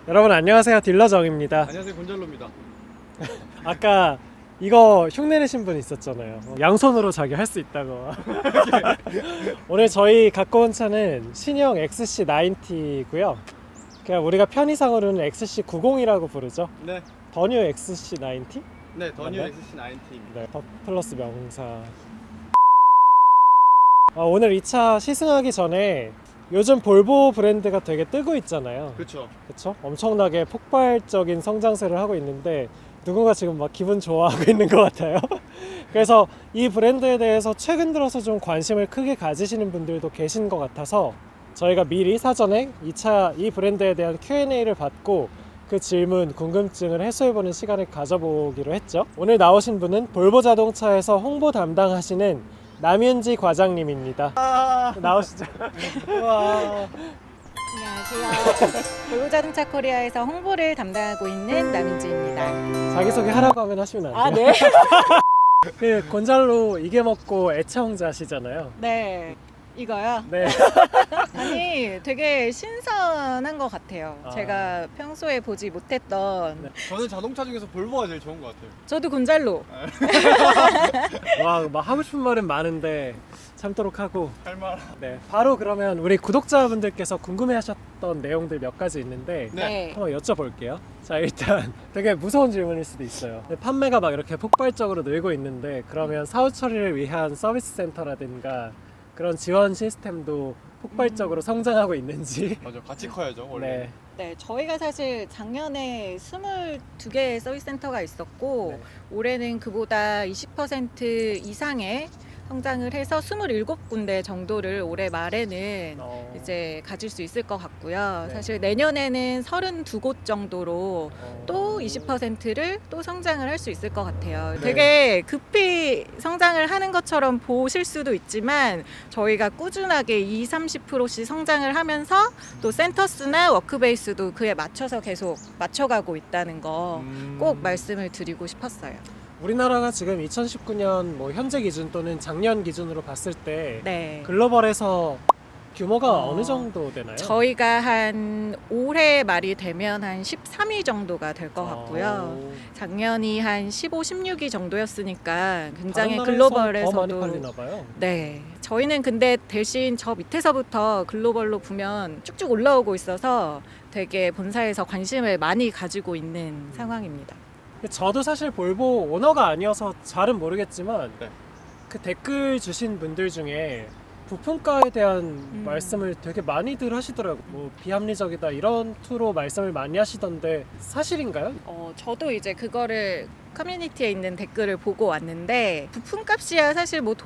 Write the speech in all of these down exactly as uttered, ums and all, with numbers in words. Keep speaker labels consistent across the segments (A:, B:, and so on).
A: 여러분 안녕하세요, 딜러정입니다.
B: 안녕하세요, 곤잘로입니다.
A: 아까 이거 흉내내신 분 있었잖아요. 양손으로 자기 할 수 있다고. 오늘 저희 갖고 온 차는 신형 엑스씨 나인티고요. 그냥 우리가 편의상으로는 엑스씨 구십이라고 부르죠.
B: 네,
A: 더 뉴 엑스씨 나인티?
B: 네, 더 뉴
A: 맞나요?
B: 엑스씨 나인티입니다.
A: 네, 더 플러스 명사. 아, 오늘 이 차 시승하기 전에 요즘 볼보 브랜드가 되게 뜨고 있잖아요.
B: 그렇죠.
A: 그쵸? 엄청나게 폭발적인 성장세를 하고 있는데 누군가 지금 막 기분 좋아하고 있는 것 같아요. 그래서 이 브랜드에 대해서 최근 들어서 좀 관심을 크게 가지시는 분들도 계신 것 같아서 저희가 미리 사전에 이 차, 이 브랜드에 대한 큐 앤 에이를 받고 그 질문, 궁금증을 해소해보는 시간을 가져보기로 했죠. 오늘 나오신 분은 볼보 자동차에서 홍보 담당하시는 남윤지 과장님입니다.
B: 아,
A: 나오시죠. 와.
C: 안녕하세요. 볼보자동차 코리아에서 홍보를 담당하고 있는 남인지입니다.
A: 자기소개 하라고 하면 하시면 안 돼요?
C: 아, 네?
A: 그 곤잘로 이게 먹고 애청자시잖아요.
C: 네. 이거요?
A: 네.
C: 아니, 되게 신선한 것 같아요.
A: 아.
C: 제가 평소에 보지 못했던.
A: 네.
B: 저는 자동차 중에서 볼보가 제일 좋은 것 같아요.
C: 저도 곤잘로.
A: 와, 막 하고 싶은 말은 많은데 참도록 하고.
B: 할 말.
A: 네. 바로 그러면 우리 구독자분들께서 궁금해하셨던 내용들 몇 가지 있는데
B: 네.
A: 한번 여쭤볼게요. 자, 일단 되게 무서운 질문일 수도 있어요. 근데 판매가 막 이렇게 폭발적으로 늘고 있는데 그러면 사후 처리를 위한 서비스 센터라든가 그런 지원 시스템도 폭발적으로 성장하고 있는지.
B: 맞아, 같이 커야죠, 원래.
A: 네.
C: 네, 저희가 사실 작년에 스물두 개의 서비스 센터가 있었고
A: 네.
C: 올해는 그보다 이십 퍼센트 이상의 성장을 해서 스물일곱 군데 정도를 올해 말에는
A: 어,
C: 이제 가질 수 있을 것 같고요.
A: 네.
C: 사실 내년에는 서른두 곳 정도로
A: 어,
C: 또 이십 퍼센트를 또 성장을 할 수 있을 것 같아요.
A: 네.
C: 되게 급히 성장을 하는 것처럼 보실 수도 있지만 저희가 꾸준하게 이십, 삼십 퍼센트씩 성장을 하면서 또 센터스나 워크베이스도 그에 맞춰서 계속 맞춰가고 있다는 거 꼭
A: 음.
C: 말씀을 드리고 싶었어요.
A: 우리나라가 지금 이천십구 년 뭐 현재 기준 또는 작년 기준으로 봤을 때
C: 네.
A: 글로벌에서 규모가
C: 어,
A: 어, 느 정도 되나요?
C: 저희가 한 올해 말이 되면 한 십삼 위 정도가 될 것 같고요.
A: 어,
C: 작년이 한 십오, 십육 위 정도였으니까 굉장히
A: 다른 나라에서 더 많이
C: 글로벌에서도
A: 팔리나 봐요.
C: 네. 저희는 근데 대신 저 밑에서부터 글로벌로 보면 쭉쭉 올라오고 있어서 되게 본사에서 관심을 많이 가지고 있는 상황입니다.
A: 저도 사실 볼보 오너가 아니어서 잘은 모르겠지만
B: 네.
A: 그 댓글 주신 분들 중에 부품가에 대한
C: 음.
A: 말씀을 되게 많이들 하시더라고요. 뭐 비합리적이다 이런 투로 말씀을 많이 하시던데 사실인가요?
C: 어, 저도 이제 그거를 커뮤니티에 있는 댓글을 보고 왔는데 부품값이야 사실 뭐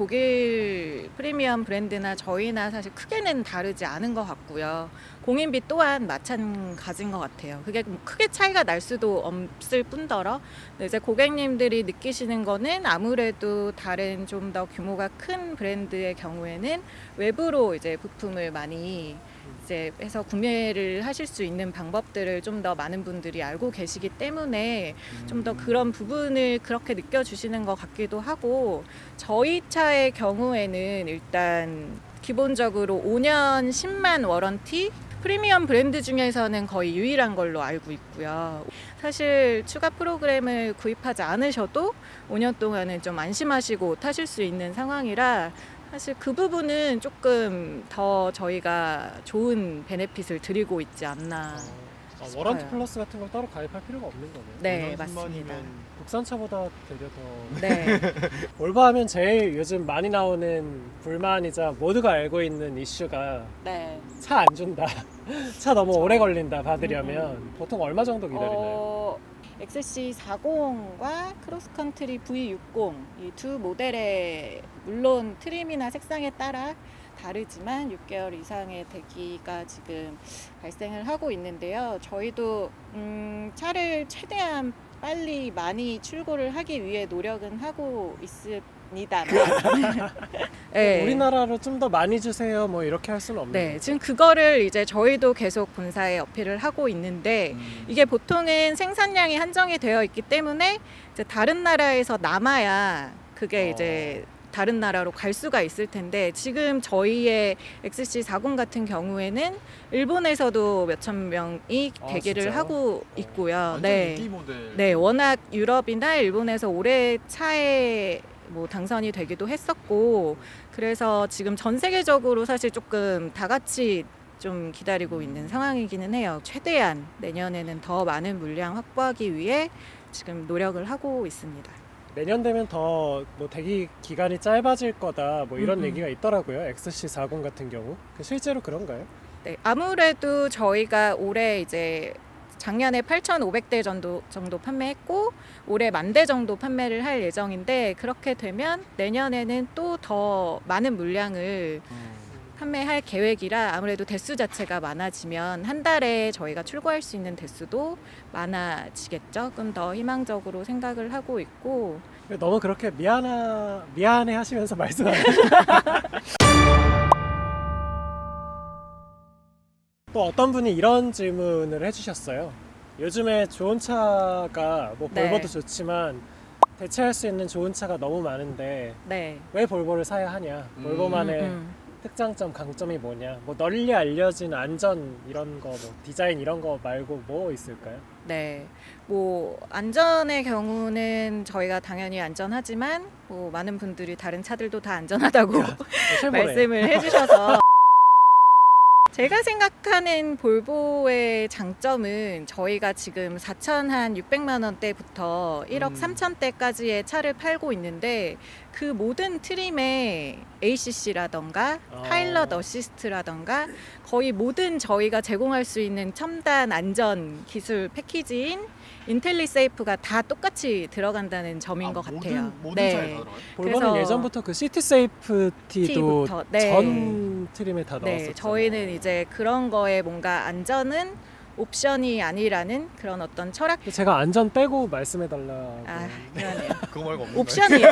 C: 독일 프리미엄 브랜드나 저희나 사실 크게는 다르지 않은 것 같고요. 공인비 또한 마찬가지인 것 같아요. 그게 뭐 크게 차이가 날 수도 없을 뿐더러 근데 이제 고객님들이 느끼시는 거는 아무래도 다른 좀 더 규모가 큰 브랜드의 경우에는 외부로 이제 부품을 많이 이제 해서 구매를 하실 수 있는 방법들을 좀 더 많은 분들이 알고 계시기 때문에 좀 더 그런 부분을 그렇게 느껴주시는 것 같기도 하고 저희 차의 경우에는 일단 기본적으로 오 년 십만 워런티 프리미엄 브랜드 중에서는 거의 유일한 걸로 알고 있고요. 사실 추가 프로그램을 구입하지 않으셔도 오 년 동안은 좀 안심하시고 타실 수 있는 상황이라 사실 그 부분은 조금 더 저희가 좋은 베네핏을 드리고 있지 않나.
A: 어,
C: 싶어요.
A: 워런티 플러스 같은 걸 따로 가입할 필요가 없는 거네요.
C: 네,
B: 오 년
C: 맞습니다.
B: 십만이면
A: 국산차보다 되게 더
C: 네.
A: 볼보 하면 제일 요즘 많이 나오는 불만이자 모두가 알고 있는 이슈가
C: 네.
A: 차 안 준다. 차 너무 오래 걸린다 받으려면 보통 얼마 정도 기다리나요?
C: 어, 엑스씨 사십과 크로스컨트리 브이 육십 이 두 모델에 물론 트림이나 색상에 따라 다르지만 육 개월 이상의 대기가 지금 발생을 하고 있는데요. 저희도 음, 차를 최대한 빨리 많이 출고를 하기 위해 노력은 하고 있습니다. 네.
A: 우리나라로 좀 더 많이 주세요 뭐 이렇게 할 수는 없는
C: 네,
A: 거죠?
C: 지금 그거를 이제 저희도 계속 본사에 어필을 하고 있는데
B: 음.
C: 이게 보통은 생산량이 한정이 되어 있기 때문에 이제 다른 나라에서 남아야 그게
A: 어.
C: 이제 다른 나라로 갈 수가 있을 텐데 지금 저희의 엑스씨 사십 같은 경우에는 일본에서도 몇천 명이
A: 아,
C: 대기를
A: 진짜요?
C: 하고 있고요.
B: 완전
C: 네.
B: 인기 모델.
C: 네, 워낙 유럽이나 일본에서 올해 차에 뭐 당선이 되기도 했었고 그래서 지금 전 세계적으로 사실 조금 다 같이 좀 기다리고 있는 상황이기는 해요. 최대한 내년에는 더 많은 물량 확보하기 위해 지금 노력을 하고 있습니다.
A: 내년 되면 더 뭐 대기 기간이 짧아질 거다 뭐 이런
C: 음, 음.
A: 얘기가 있더라고요. 엑스씨 사십 같은 경우. 그 실제로 그런가요?
C: 네, 아무래도 저희가 올해 이제 작년에 팔천오백 대 정도, 정도 판매했고 올해 만 대 정도 판매를 할 예정인데 그렇게 되면 내년에는 또 더 많은 물량을
B: 음.
C: 판매할 계획이라 아무래도 대수 자체가 많아지면 한 달에 저희가 출고할 수 있는 대수도 많아지겠죠. 조금 더 희망적으로 생각을 하고 있고
A: 너무 그렇게 미안하 미안해 하시면서 말씀하세요. 또 어떤 분이 이런 질문을 해주셨어요. 요즘에 좋은 차가 뭐
C: 네.
A: 볼보도 좋지만 대체할 수 있는 좋은 차가 너무 많은데
C: 네.
A: 왜 볼보를 사야 하냐?
B: 음.
A: 볼보만의
C: 음, 음.
A: 특장점, 강점이 뭐냐? 뭐 널리 알려진 안전 이런 거, 뭐 디자인 이런 거 말고 뭐 있을까요?
C: 네. 뭐 안전의 경우는 저희가 당연히 안전하지만 뭐 많은 분들이 다른 차들도 다 안전하다고
A: 쉐보레.
C: 말씀을 해주셔서 제가 생각하는 볼보의 장점은 저희가 지금 사천육백만 원대부터 일억
B: 음.
C: 삼천대까지의 차를 팔고 있는데 그 모든 트림에 에이씨씨라던가
A: 아.
C: 파일럿 어시스트라던가 거의 모든 저희가 제공할 수 있는 첨단 안전 기술 패키지인 인텔리세이프가 다 똑같이 들어간다는 점인
B: 아,
C: 것
B: 모든,
C: 같아요.
B: 모든
C: 네.
B: 차에 다 들어가요?
A: 볼보는
C: 그래서-
A: 예전부터 그 시티 세이프티도
C: T부터, 네.
A: 전 트림에 다
C: 네,
A: 넣었었죠.
C: 저희는 이제 그런 거에 뭔가 안전은 옵션이 아니라는 그런 어떤 철학.
A: 제가 안전 빼고 말씀해 달라고.
C: 아, 그러네요.
B: 그거 말고 없는
C: 옵션이에요.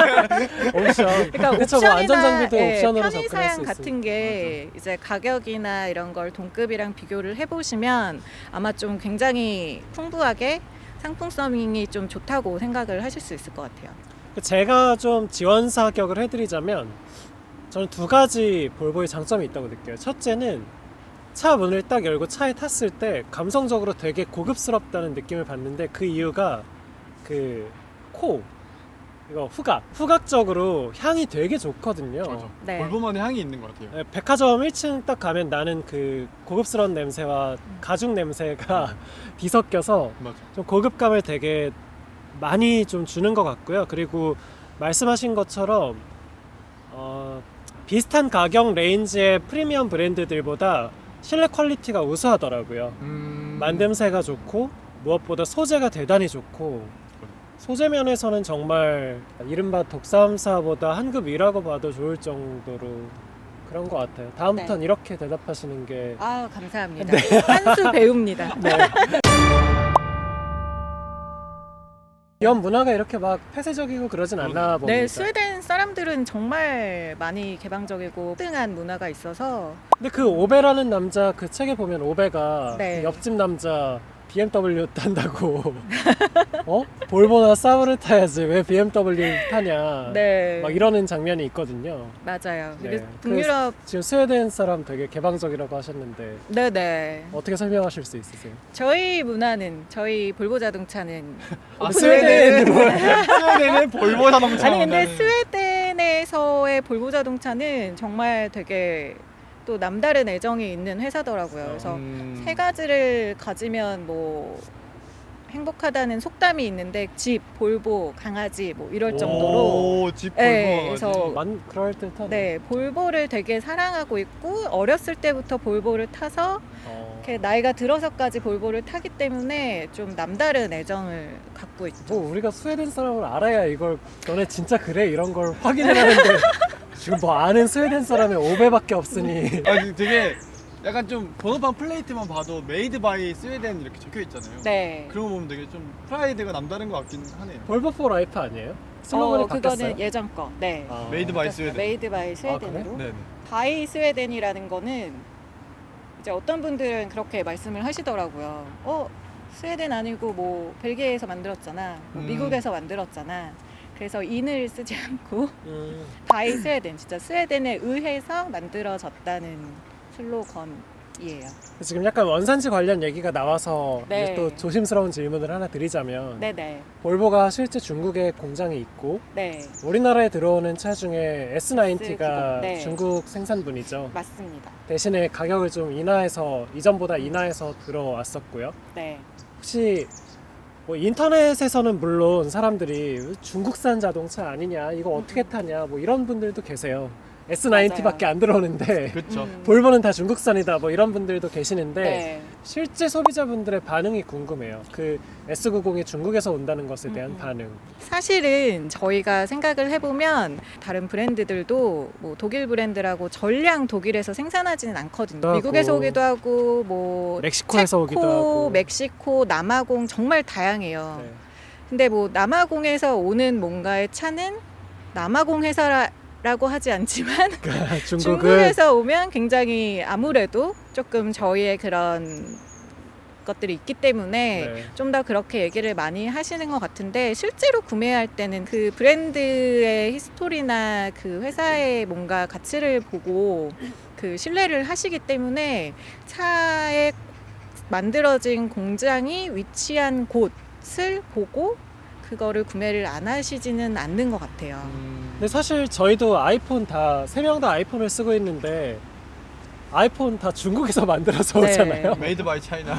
A: 옵션.
C: 그러니까
A: 그쵸, 뭐
C: 옵션이나
A: 안전 장비도
C: 예,
A: 옵션으로
C: 편의
A: 접근할 수
C: 사양
A: 있으니까.
C: 같은 게 이제 가격이나 이런 걸 동급이랑 비교를 해보시면 아마 좀 굉장히 풍부하게 상품성이 좀 좋다고 생각을 하실 수 있을 것 같아요.
A: 제가 좀 지원 사격을 해드리자면 저는 두 가지 볼보의 장점이 있다고 느껴요. 첫째는 차 문을 딱 열고 차에 탔을 때 감성적으로 되게 고급스럽다는 느낌을 받는데 그 이유가 그 코, 이거 후각, 후각적으로 향이 되게 좋거든요.
B: 맞아.
C: 네.
B: 볼보만의 향이 있는 것 같아요.
A: 네, 백화점 일 층 딱 가면 나는 그 고급스러운 냄새와 가죽 냄새가 뒤섞여서
B: 맞아.
A: 좀 고급감을 되게 많이 좀 주는 것 같고요. 그리고 말씀하신 것처럼 어, 비슷한 가격 레인지의 프리미엄 브랜드들보다 실내 퀄리티가 우수하더라고요.
B: 음...
A: 만듦새가 좋고 무엇보다 소재가 대단히 좋고 소재 면에서는 정말 이른바 독삼사보다 한 급 위라고 봐도 좋을 정도로 그런 것 같아요. 다음부터는
C: 네.
A: 이렇게 대답하시는 게
C: 아, 감사합니다. 한 수 배웁니다.
A: 네. 기업 문화가 이렇게 막 폐쇄적이고 그러진 않나 봅니다.
C: 네, 스웨덴 사람들은 정말 많이 개방적이고 뜨한 문화가 있어서
A: 근데 그 오베라는 남자 그 책에 보면 오베가
C: 네.
A: 그 옆집 남자 비엠더블유 탄다고 어? 볼보나 사브를 타야지 왜 비엠더블유 타냐
C: 네,
A: 막 이러는 장면이 있거든요.
C: 맞아요.
A: 네.
C: 그리고 북유럽
A: 지금 스웨덴 사람 되게 개방적이라고 하셨는데
C: 네네.
A: 어떻게 설명하실 수 있으세요?
C: 저희 문화는 저희 볼보 자동차는
B: 아,
A: 스웨덴
B: 스웨덴은 볼보 자동차.
C: 아니 근데 스웨덴에서의 볼보 자동차는 정말 되게 또 남다른 애정이 있는 회사더라고요. 그래서
B: 음...
C: 세 가지를 가지면 뭐 행복하다는 속담이 있는데 집, 볼보, 강아지 뭐 이럴 정도로
B: 오, 집 볼보.
C: 네,
B: 강아지.
C: 그래서
A: 만 그럴 듯한
C: 네 볼보를 되게 사랑하고 있고 어렸을 때부터 볼보를 타서
A: 어,
C: 이렇게 나이가 들어서까지 볼보를 타기 때문에 좀 남다른 애정을 갖고 있죠.
A: 뭐 우리가 스웨덴 사람을 알아야 이걸 너네 진짜 그래 이런 걸 확인을 하는데 지금 뭐 아는 스웨덴 사람이 오베밖에 없으니
B: 아니 되게 약간 좀 번호판 플레이트만 봐도 메이드 바이 스웨덴 이렇게 적혀 있잖아요.
C: 네.
B: 그런 거 보면 되게 좀 프라이드가 남다른 것 같긴 하네요.
A: 볼보 포 라이프 아니에요? 슬로건이
C: 어,
A: 바뀌었어요?
C: 그거는 예전 거. 네.
A: 아,
B: 메이드 바이
C: 바뀌었어요.
B: 스웨덴.
C: 메이드 바이 스웨덴으로.
B: 네네.
C: 바이 스웨덴이라는 거는 이제 어떤 분들은 그렇게 말씀을 하시더라고요. 어, 스웨덴 아니고 뭐 벨기에에서 만들었잖아. 뭐
B: 음.
C: 미국에서 만들었잖아. 그래서 인을 쓰지 않고
A: 음.
C: 바이 스웨덴, 진짜 스웨덴에 의해서 만들어졌다는 슬로건이에요.
A: 지금 약간 원산지 관련 얘기가 나와서
C: 네.
A: 이제 또 조심스러운 질문을 하나 드리자면
C: 네네.
A: 볼보가 실제 중국에 공장이 있고
C: 네,
A: 우리나라에 들어오는 차 중에 에스 나인티가
C: 네.
A: 중국 생산분이죠.
C: 맞습니다.
A: 대신에 가격을 좀 인하해서 이전보다 인하해서 들어왔었고요.
C: 네.
A: 혹시 뭐 인터넷에서는 물론 사람들이 중국산 자동차 아니냐, 이거 어떻게 타냐, 뭐 이런 분들도 계세요. 에스 나인티밖에 안 들어오는데
B: 그렇죠.
C: 음.
A: 볼보는 다 중국산이다, 뭐 이런 분들도 계시는데
C: 네.
A: 실제 소비자분들의 반응이 궁금해요. 그 에스 구십이 중국에서 온다는 것에 대한
C: 음.
A: 반응.
C: 사실은 저희가 생각을 해보면 다른 브랜드들도 뭐 독일 브랜드라고 전량 독일에서 생산하지는 않거든요.
A: 하고,
C: 미국에서 오기도 하고 뭐
A: 멕시코에서 오기도
C: 체코,
A: 하고.
C: 멕시코, 남아공 정말 다양해요.
A: 네.
C: 근데 뭐 남아공에서 오는 뭔가의 차는 남아공 회사라고 하지 않지만
A: 중국은
C: 중국에서 오면 굉장히 아무래도 조금 저희의 그런 것들이 있기 때문에
A: 네.
C: 좀 더 그렇게 얘기를 많이 하시는 것 같은데 실제로 구매할 때는 그 브랜드의 히스토리나 그 회사의 뭔가 가치를 보고 그 신뢰를 하시기 때문에 차에 만들어진 공장이 위치한 곳을 보고 그거를 구매를 안 하시지는 않는 것 같아요.
A: 근데 사실 저희도 아이폰 다 세 명 다 아이폰을 쓰고 있는데 아이폰 다 중국에서 만들어서
C: 네.
A: 오잖아요.
B: 메이드 바이 차이나.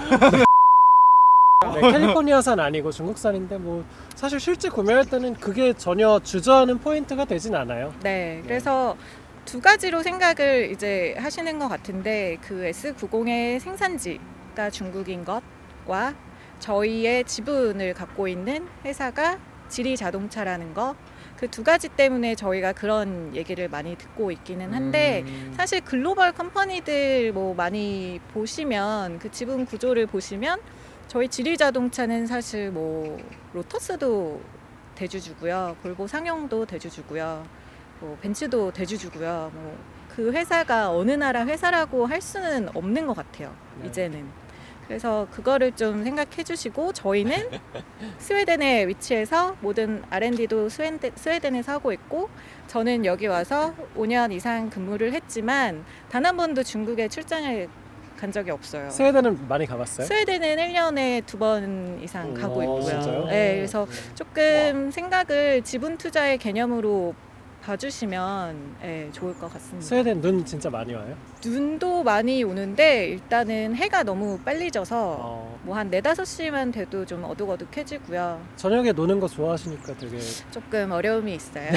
A: 네, 캘리포니아산 아니고 중국산인데 뭐 사실 실제 구매할 때는 그게 전혀 주저하는 포인트가 되진 않아요.
C: 네, 그래서 두 가지로 생각을 이제 하시는 것 같은데 그 에스 구십의 생산지가 중국인 것과 저희의 지분을 갖고 있는 회사가 지리 자동차라는 거, 그 두 가지 때문에 저희가 그런 얘기를 많이 듣고 있기는 한데
A: 음.
C: 사실 글로벌 컴퍼니들 뭐 많이 보시면 그 지분 구조를 보시면 저희 지리 자동차는 사실 뭐 로터스도 대주주고요, 볼보 상용도 대주주고요, 뭐 벤츠도 대주주고요. 뭐 그 회사가 어느 나라 회사라고 할 수는 없는 것 같아요.
A: 네.
C: 이제는. 그래서 그거를 좀 생각해 주시고 저희는 스웨덴에 위치해서 모든 알 앤 디도 스웨덴, 스웨덴에서 하고 있고 저는 여기 와서 오 년 이상 근무를 했지만 단 한 번도 중국에 출장을 간 적이 없어요.
A: 스웨덴은 많이 가봤어요?
C: 스웨덴은 일 년에 두 번 이상 가고
A: 오,
C: 있고요.
A: 진짜요?
C: 네, 그래서 조금 생각을 지분 투자의 개념으로 봐주시면 네, 좋을 것 같습니다.
A: 스웨덴 눈 진짜 많이 와요?
C: 눈도 많이 오는데 일단은 해가 너무 빨리 져서
A: 어,
C: 뭐 한 네다섯 시만 돼도 좀 어둑어둑해지고요.
A: 저녁에 노는 거 좋아하시니까 되게
C: 조금 어려움이 있어요.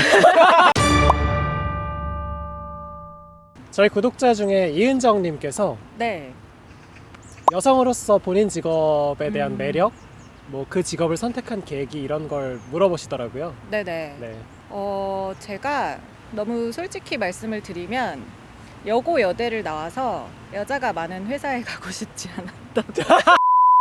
A: 저희 구독자 중에 이은정님께서
C: 네.
A: 여성으로서 본인 직업에 대한
C: 음.
A: 매력, 뭐 그 직업을 선택한 계기 이런 걸 물어보시더라고요.
C: 네네.
A: 네.
C: 어, 제가 너무 솔직히 말씀을 드리면 여고 여대를 나와서 여자가 많은 회사에 가고 싶지 않았던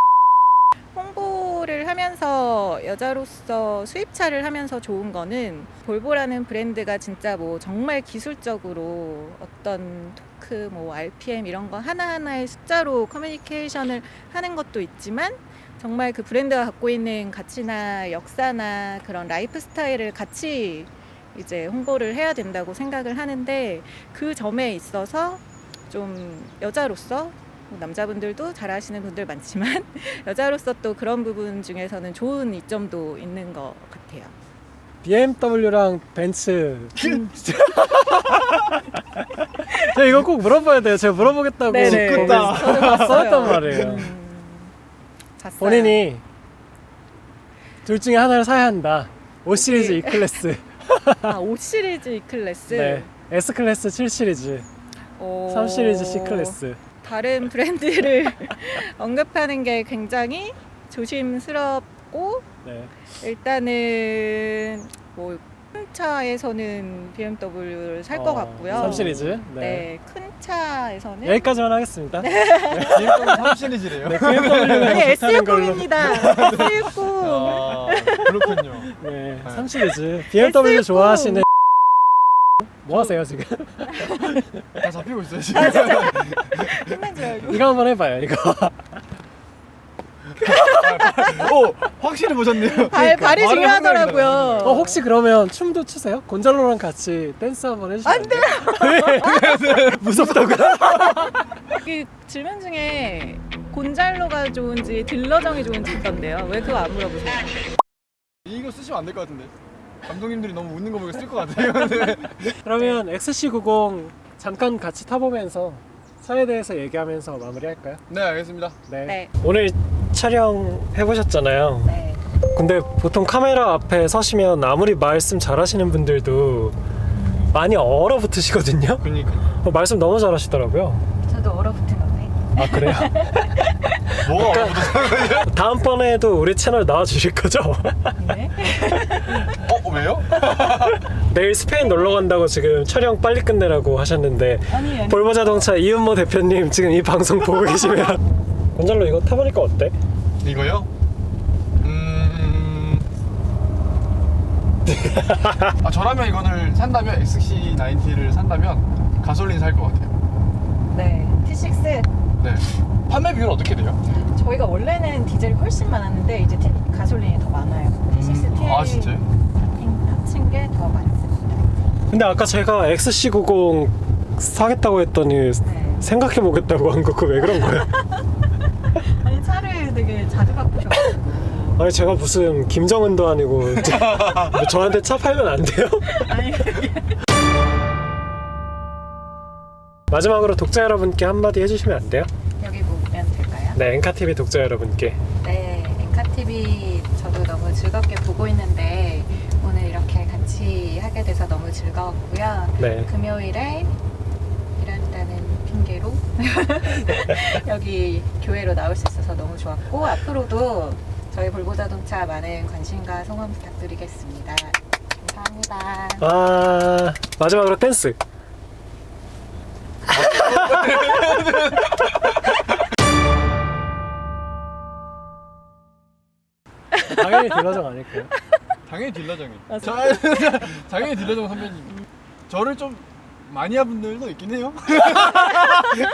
C: 홍보를 하면서 여자로서 수입차를 하면서 좋은 거는 볼보라는 브랜드가 진짜 뭐 정말 기술적으로 어떤 토크, 뭐 알피엠 이런 거 하나하나의 숫자로 커뮤니케이션을 하는 것도 있지만 정말 그 브랜드가 갖고 있는 가치나 역사나 그런 라이프 스타일을 같이 이제 홍보를 해야 된다고 생각을 하는데 그 점에 있어서 좀 여자로서 남자분들도 잘 아시는 분들 많지만 여자로서 또 그런 부분 중에서는 좋은 이점도 있는 것 같아요.
A: 비엠더블유랑 벤츠. 제가 이거 꼭 물어봐야 돼요. 제가 물어보겠다고
C: 네네.
A: 거기
C: 저도 봤어요.
A: 써였단 말이에요.
C: 음, 봤어요.
A: 본인이 둘 중에 하나를 사야 한다. 오 시리즈
C: 오케이.
A: E 클래스,
C: 아, 오 시리즈 E 클래스,
A: 네, S 클래스 칠 시리즈,
C: 오,
A: 삼 시리즈 C 클래스.
C: 다른 브랜드를 언급하는 게 굉장히 조심스럽고
A: 네.
C: 일단은 뭐 큰 차에서는 비엠더블유를 살 것
A: 어,
C: 같고요.
A: 삼 시리즈. 네.
C: 네, 큰 차에서는
A: 여기까지만 하겠습니다.
B: 지금 삼 시리즈래요.
A: 네, 비엠더블유가
C: 아니
A: 좋다는 걸로.
C: 에스 육십입니다. 에스 육십.
B: 아, 그렇군요.
A: 네, 삼 시리즈. 비엠더블유 좋아하시는 뭐 하세요 지금?
B: 다 잡히고 있어요 지금.
C: 끝난 줄 알고.
A: 이거 한번 해봐요. 이거.
B: 아, 오 확실히 보셨네요.
C: 발, 발이
B: 발이
C: 중요하더라고요.
A: 어, 혹시 그러면 춤도 추세요? 곤잘로랑 같이 댄스 한번 해주시면 안 돼요? 왜? 무섭다고요?
C: 그 질문 중에 곤잘로가 좋은지 딜러정이 좋은지 있던데요. 왜 그거 안 물어보세요?
B: 이거 쓰시면 안 될 것 같은데. 감독님들이 너무 웃는 거 보고 쓸 것 같아요. 네.
A: 그러면 엑스씨 구십 잠깐 같이 타보면서 차에 대해서 얘기하면서 마무리할까요?
B: 네 알겠습니다.
A: 네.
C: 네.
A: 오늘 촬영 해보셨잖아요.
C: 네.
A: 근데 보통 카메라 앞에 서시면 아무리 말씀 잘하시는 분들도 많이 얼어붙으시거든요.
B: 그러니까.
A: 어, 말씀 너무 잘하시더라고요.
C: 저도 얼어붙은 건데.
A: 아 그래요?
B: 뭐가 얼어붙었어요?
A: 다음번에도 우리 채널 나와주실 거죠?
C: 네.
B: 어 왜요?
A: 내일 스페인 놀러 간다고 지금 촬영 빨리 끝내라고 하셨는데
C: 아니 아니.
A: 볼보 자동차 이은모 대표님 지금 이 방송 보고 계시면 곤잘로 이거 타보니까 어때?
B: 이거요? 음. 아 저라면 이거를 산다면 엑스씨 나인티를 산다면 가솔린 살 것 같아요.
C: 네. 티식스.
B: 네. 판매 비율은 어떻게 돼요?
C: 저희가 원래는 디젤이 훨씬 많았는데 이제 티, 가솔린이 더 많아요. 티식스 티
B: 아 진짜요?
C: 합친 게 더 많습니다.
A: 근데 아까 제가 엑스씨 구십 사겠다고 했더니
C: 네.
A: 생각해보겠다고 한 거 그거 왜 그런 거예요?
C: 아니 차를 되게 자주 바꾸셔가지고.
A: 아니 제가 무슨 김정은도 아니고 저, 뭐 저한테 차 팔면 안 돼요?
C: 아니 그게.
A: 마지막으로 독자 여러분께 한마디 해주시면 안 돼요?
C: 여기 보면 될까요?
A: 네, 엔카티비 독자 여러분께.
C: 네, 엔카티비 저도 너무 즐겁게 보고 있는데 오늘 이렇게 같이 하게 돼서 너무 즐거웠고요.
A: 네.
C: 금요일에 일한다는 핑계로 여기 교회로 나올 수 있어서 너무 좋았고 앞으로도 저희 볼보 자동차 많은 관심과 성원 부탁드리겠습니다. 감사합니다.
A: 아 마지막으로 댄스. 당연히 딜러정 아닐까요?
B: 당연히 딜러정이.
C: 아,
B: 저, 당연히 딜러정 선배님. 저를 좀 마니아 분들도 있긴 해요.